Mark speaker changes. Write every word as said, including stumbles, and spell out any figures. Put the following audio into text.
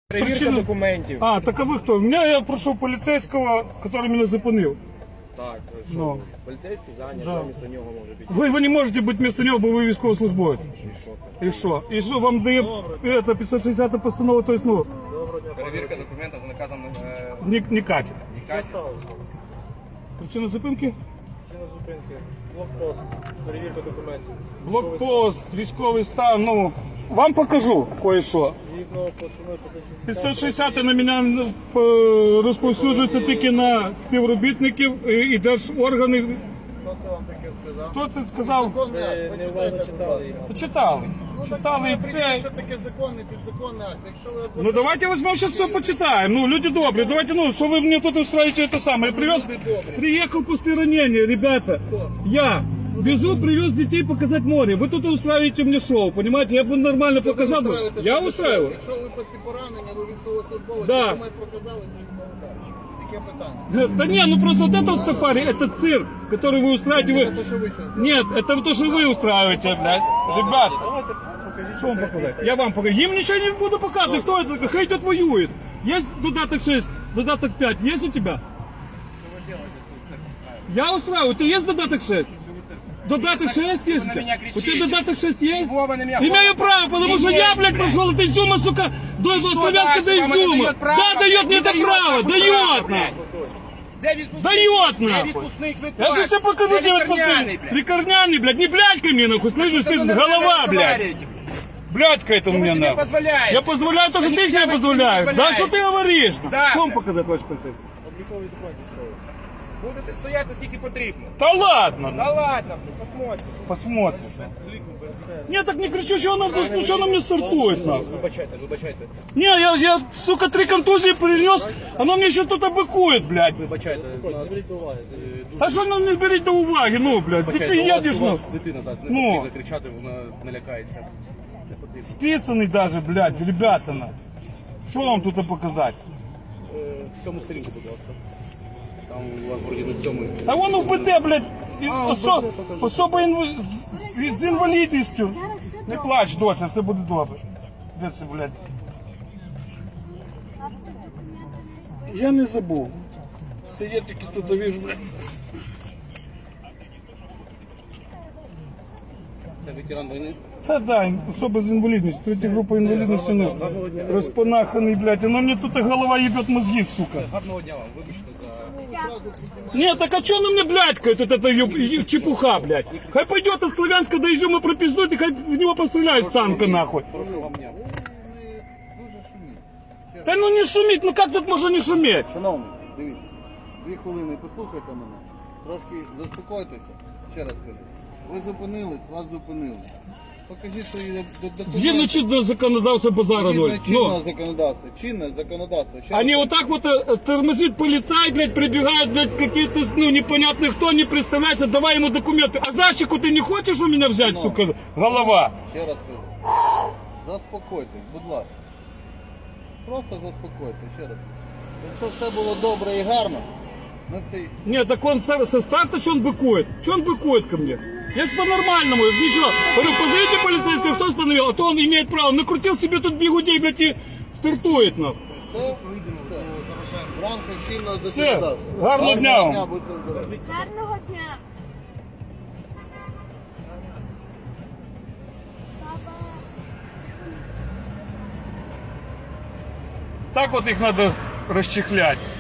Speaker 1: Перевірка
Speaker 2: Причина...
Speaker 1: документів.
Speaker 2: А, так а ви хто? У мене я прошу поліцейського, який мене зупинив.
Speaker 1: Так, що?
Speaker 2: Ну.
Speaker 1: Поліцейський зайнятий,
Speaker 2: Да.
Speaker 1: да. Місто нього може піти.
Speaker 2: Ви, ви не можете бути вместо нього, бо ви військовослужбовець.
Speaker 1: І що це?
Speaker 2: І що? І що вам дає это, пятьсот шестидесятая постанова, то есть, ну,
Speaker 1: Перевірка документів за наказом е,
Speaker 2: не, не катить.
Speaker 1: Нікаті.
Speaker 2: Причина зупинки?
Speaker 3: Причина зупинки. Блокпост. Перевірка документів.
Speaker 2: Блокпост, військовий стан, ну, вам покажу кое-що.
Speaker 3: Згідно постанови
Speaker 2: п'ятсот шістдесят на мене е, розповсюджується тільки на співробітників і і держорганів.
Speaker 4: Хто це вам таке сказав?
Speaker 2: Хто це сказав?
Speaker 4: Законний акт,
Speaker 3: не
Speaker 4: почитайте,
Speaker 3: уважно
Speaker 4: будь
Speaker 3: читали
Speaker 4: ласка.
Speaker 3: його.
Speaker 2: Почитали. Читали і це.
Speaker 4: Що таке законний, підзаконний акт? Якщо ви
Speaker 2: Ну давайте возьмем сейчас все почитаем. Ну, люди добрые, давайте, ну, что вы мне тут устраиваете это самое. Я привез, приехал после ранения, ребята. Я везу, привез детей показать море. Вы тут устраиваете мне шоу, понимаете? Я бы нормально показал бы. Я устраиваю.
Speaker 4: Якщо ви після поранення, ви військовослужбовець,
Speaker 2: Да.
Speaker 4: документ показали, звісно, далі. Яке питання?
Speaker 2: Да не, ну просто вот это вот сафари, это цирк, который вы устраиваете.
Speaker 4: Це
Speaker 2: Вы...
Speaker 4: те, що ви зараз.
Speaker 2: Нет, это то, что вы устраиваете, блядь. Ребят,
Speaker 3: Давайте покажіть.
Speaker 2: что вам показать? Я вам покажу. Им ничего не буду показывать, кто это, хай тут воюет. Есть додаток шесть, додаток пять, есть у тебя? Я устраиваю, у тебя есть додаток шесть? Додаток шесть есть?
Speaker 1: на меня
Speaker 2: У тебя
Speaker 1: кричите.
Speaker 2: додаток шесть есть?
Speaker 1: Чего вы на меня
Speaker 2: Имею
Speaker 1: говорите?
Speaker 2: право, потому что
Speaker 1: Имеете,
Speaker 2: я, блядь,
Speaker 1: блядь.
Speaker 2: прошел от Изюма, сука, до
Speaker 1: что
Speaker 2: Славянска до
Speaker 1: дальше? Вам это
Speaker 2: Изюма.
Speaker 1: дает право,
Speaker 2: Да, дает мне
Speaker 1: не
Speaker 2: это
Speaker 1: дает
Speaker 2: право,
Speaker 1: нахуй
Speaker 2: дает,
Speaker 1: право,
Speaker 2: нахуй.
Speaker 1: Де відпускний?
Speaker 2: Дает,
Speaker 1: Де
Speaker 2: нахуй.
Speaker 1: відпускний квиток?
Speaker 2: Я сейчас тебе покажу,
Speaker 1: Де
Speaker 2: где вот
Speaker 1: лікарняний,
Speaker 2: после...
Speaker 1: блядь?
Speaker 2: Ликарняный, блядь, не блядькай мне, нахуй, слышишь,
Speaker 1: Что
Speaker 2: ты
Speaker 1: вы на
Speaker 2: голова,
Speaker 1: меня
Speaker 2: блядь.
Speaker 1: разговариваете?
Speaker 2: Блядька это у
Speaker 1: Что вы
Speaker 2: меня,
Speaker 1: себе
Speaker 2: нахуй.
Speaker 1: позволяете?
Speaker 2: Я позволяю то, что
Speaker 1: Вы
Speaker 2: ты
Speaker 1: нихуя
Speaker 2: себе
Speaker 1: себе не
Speaker 2: позволяешь. Да,
Speaker 1: позволяете.
Speaker 2: что ты говоришь?
Speaker 1: Да,
Speaker 2: Что вам
Speaker 1: блядь.
Speaker 2: показать, товарищ полицейский?
Speaker 3: Облікові документи ставили.
Speaker 1: Будете стояти скільки потрібно.
Speaker 2: Да ладно,
Speaker 1: Да ладно, блядь, посмотрим.
Speaker 2: посмотрим. Не, так не кричу, что она, ну, что она мне стартует, нахуй.
Speaker 1: Вибачайте, вибачайте.
Speaker 2: Не, я, я, сука, три контузии принес, оно мне еще тут обыкует, блядь.
Speaker 1: Вибачайте.
Speaker 3: Не беріть до уваги.
Speaker 2: А що ну не беріть до уваги, ну, блядь, ти приїдеш, ну.
Speaker 1: дитина зараз не
Speaker 2: Ну.
Speaker 1: потрібно кричати, вона налякається. Не потрібно.
Speaker 2: Списаний даже, блядь, ребята, на. Що вам тут показати?
Speaker 1: Сьому сторінку, будь ласка. Там у вас вроді на сьомий.
Speaker 2: Та вон у БТ, блядь, і осо, особа інв... з, з, з інвалідністю. Не плач, доця, все буде добре. Де це, блядь? Я не забув. Це я тільки тут довіжу, блядь.
Speaker 1: Це ветеран війни.
Speaker 2: Це да, особа з інвалідністю, третя група інвалідності, ну, розпанаханий, блядь, воно мені тут голова їбет мозги, сука.
Speaker 1: Гарного дня вам, вибачте за...
Speaker 2: Нет, так а что на мне, блядь, вот эта еб- еб- чепуха, блядь? Хай пойдет от Славянска до Изюма пропиздует и хай в него постреляет с танка, нахуй.
Speaker 1: Прошу вам дня.
Speaker 4: Дуже шуміть.
Speaker 2: Да ну не шуметь, ну как тут можно не шуметь?
Speaker 4: Шановні, дивіться, дві хвилини послухайте мене, трошки заспокойтеся, ще раз кажу. Ви зупинились, вас зупинили. Покажіть свої документи.
Speaker 2: Згідно чинного законодавства базара ноль.
Speaker 4: Згідно чинного
Speaker 2: Ну,
Speaker 4: законодавства. Чинне законодавство. Ще
Speaker 2: они
Speaker 4: раз
Speaker 2: вот так вот э, тормозит полицай, блядь, прибегают, блядь, какие-то, ну, непонятные кто, не представляется, давай ему документы. А защику ты не хочешь у меня взять, сука, голова?
Speaker 4: Ще раз кажу. Заспокойтесь, будь ласка. Просто заспокойтесь, ще раз. Якщо все було добре і гарно, ми цей...
Speaker 2: Нет, так он со, со старта что он быкует? Что он быкует ко мне? Я ж по-нормальному, я ж ничего. Говорю, позовите полицейского, кто остановил, а то он имеет право. Накрутил себе тут бигудей, блядь, и стартует, ну.
Speaker 4: Все, все. В рамках чинного
Speaker 2: Все.
Speaker 4: законодавства.
Speaker 2: Гарного дня вам.
Speaker 4: будьте здорові.
Speaker 5: Гарного дня.
Speaker 2: Так вот их надо расчехлять.